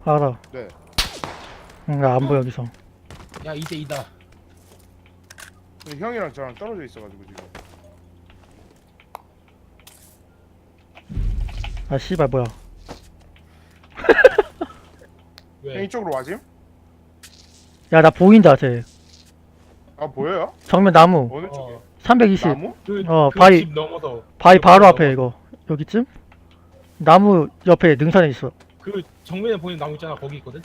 알아. 네. 나 안 보여 여기서. 야 2대2다. 근데 형이랑 저랑 떨어져 있어가지고 지금. 아 씨발 뭐야. 형 왜? 이쪽으로 와짐? 야 나 보인다 쟤. 아 보여요? 정면 나무. 어느 쪽에? 어. 320. 나무? 그, 그 바위 바위- 집 넘어서. 바위 그 바로 바위 앞에 넘어서. 이거. 여기쯤? 나무 옆에 능선에 있어. 그 정면에 보이는 나무 있잖아 거기 있거든.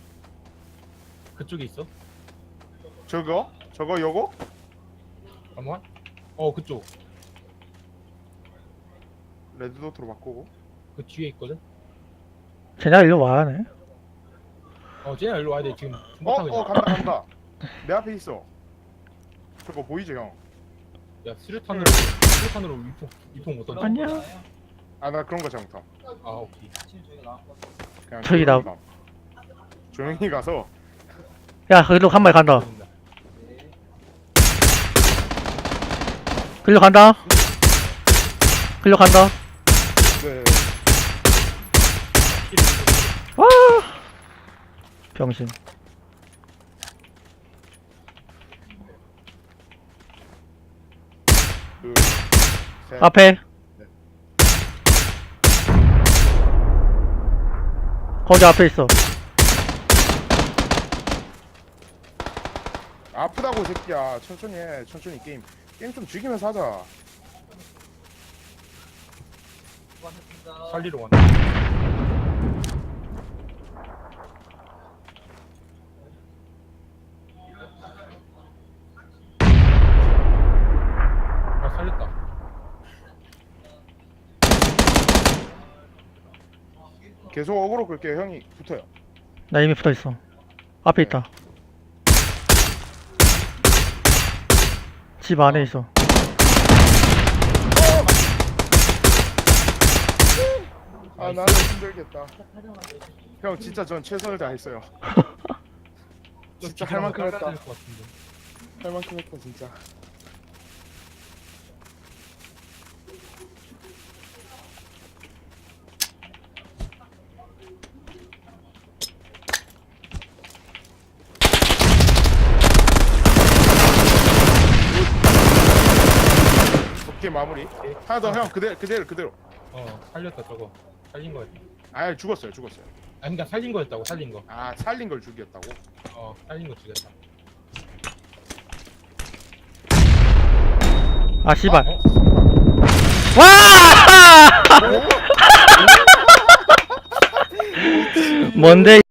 그쪽에 있어. 저거? 요거? 잠깐만. 그쪽. 레드도트로 바꾸고. 그 뒤에 있거든. 쟤네가 일로 와야 하네. 쟤네 일로 와야 돼 지금. 중국하고 있어. 간다. 내 앞에 있어. 저거 보이죠 형? 야 수류탄으로 위통 못 던져. 안녕. 아 나 그런 거 잘 못함. 아 오케이. 그냥 저기 나- 조용히 가서. 야 글로 한 마리 간다. 글로 간다. 글로 간다. 네. 와. 병신. 둘, 셋. 앞에. 네. 거기 앞에 있어. 아프다고 새끼야. 천천히 해. 천천히 게임 좀 즐기면서 하자. 살리러 왔네. 살렸다. 계속 어그로 끌게요. 형이 붙어요. 나 이미 붙어 있어. 앞에 있다. 집 안에 있어. 아 나는 힘들겠다. 형 진짜 전 최선을 다했어요. 진짜 할 만큼 했다. 될것 같은데. 할 만큼 했다 진짜. 오케이 마무리. 하나 더 형 그대로. 살렸다 저거. 살린 거였다. 아 죽었어요. 아니 그니까 살린 거였다고 살린 거. 아 살린 걸 죽였다고? 살린 거 죽였다. 아 씨발. 어? 와! 뭔데?